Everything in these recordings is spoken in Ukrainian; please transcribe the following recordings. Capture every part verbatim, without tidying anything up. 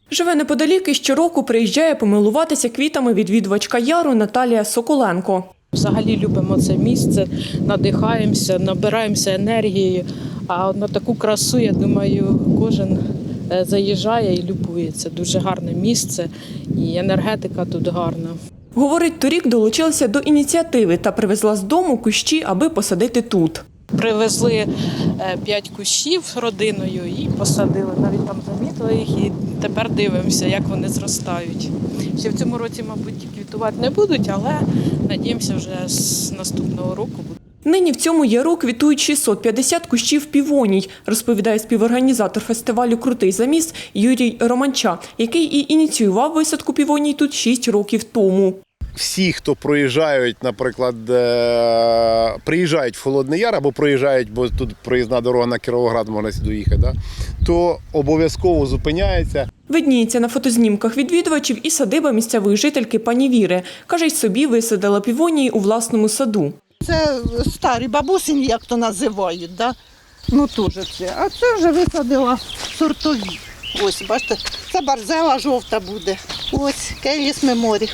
Живе неподалік і щороку приїжджає помилуватися квітами відвідувачка яру Наталія Соколенко. Взагалі любимо це місце, надихаємося, набираємося енергією. А на таку красу, я думаю, кожен заїжджає і любується. Дуже гарне місце і енергетика тут гарна. Говорить, торік долучилася до ініціативи та привезла з дому кущі, аби посадити тут. Привезли п'ять кущів родиною і посадили. Навіть там замітили їх і тепер дивимося, як вони зростають. Ще в цьому році, мабуть, квітувати не будуть, але надіємося, вже з наступного року будуть. Нині в цьому яру квітують шістсот п'ятдесят кущів півоній, розповідає співорганізатор фестивалю «Крутий заміс» Юрій Романча, який і ініціював висадку півоній тут шість років тому. Всі, хто проїжджають, наприклад, приїжджають в Холодний Яр або проїжджають, бо тут проїзна дорога на Кіровоград, можна сюди доїхати, да? То обов'язково зупиняється. Видніється на фотознімках відвідувачів і садиба місцевої жительки пані Віри. Каже, й собі висадила півонії у власному саду. Це старі бабусині, як то називають, да? Ну теж це. А це вже висадила сортові. Ось, бачите, це барзела жовта буде. Ось, Кейліс Меморі.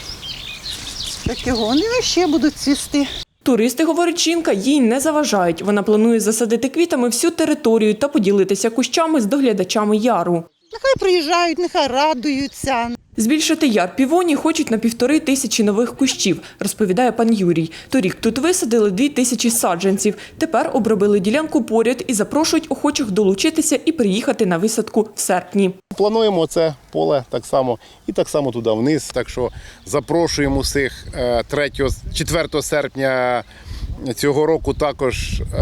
Такі вони ще будуть цвісти. Туристи, говорить жінка, їй не заважають. Вона планує засадити квітами всю територію та поділитися кущами з доглядачами яру. Нехай приїжджають, нехай радуються. Збільшити яр півоній хочуть на півтори тисячі нових кущів, розповідає пан Юрій. Торік тут висадили дві тисячі саджанців. Тепер обробили ділянку поряд і запрошують охочих долучитися і приїхати на висадку в серпні. Плануємо це поле так само і так само туди вниз. Так що запрошуємо всіх четвертого серпня цього року також е,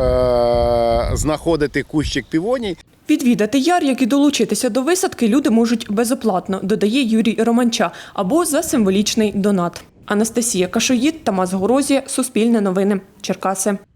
знаходити кущик півоній. Відвідати яр, як і долучитися до висадки, люди можуть безоплатно, додає Юрій Романча, або за символічний донат. Анастасія Кашоїд, Тамас Горозія, Суспільне новини, Черкаси.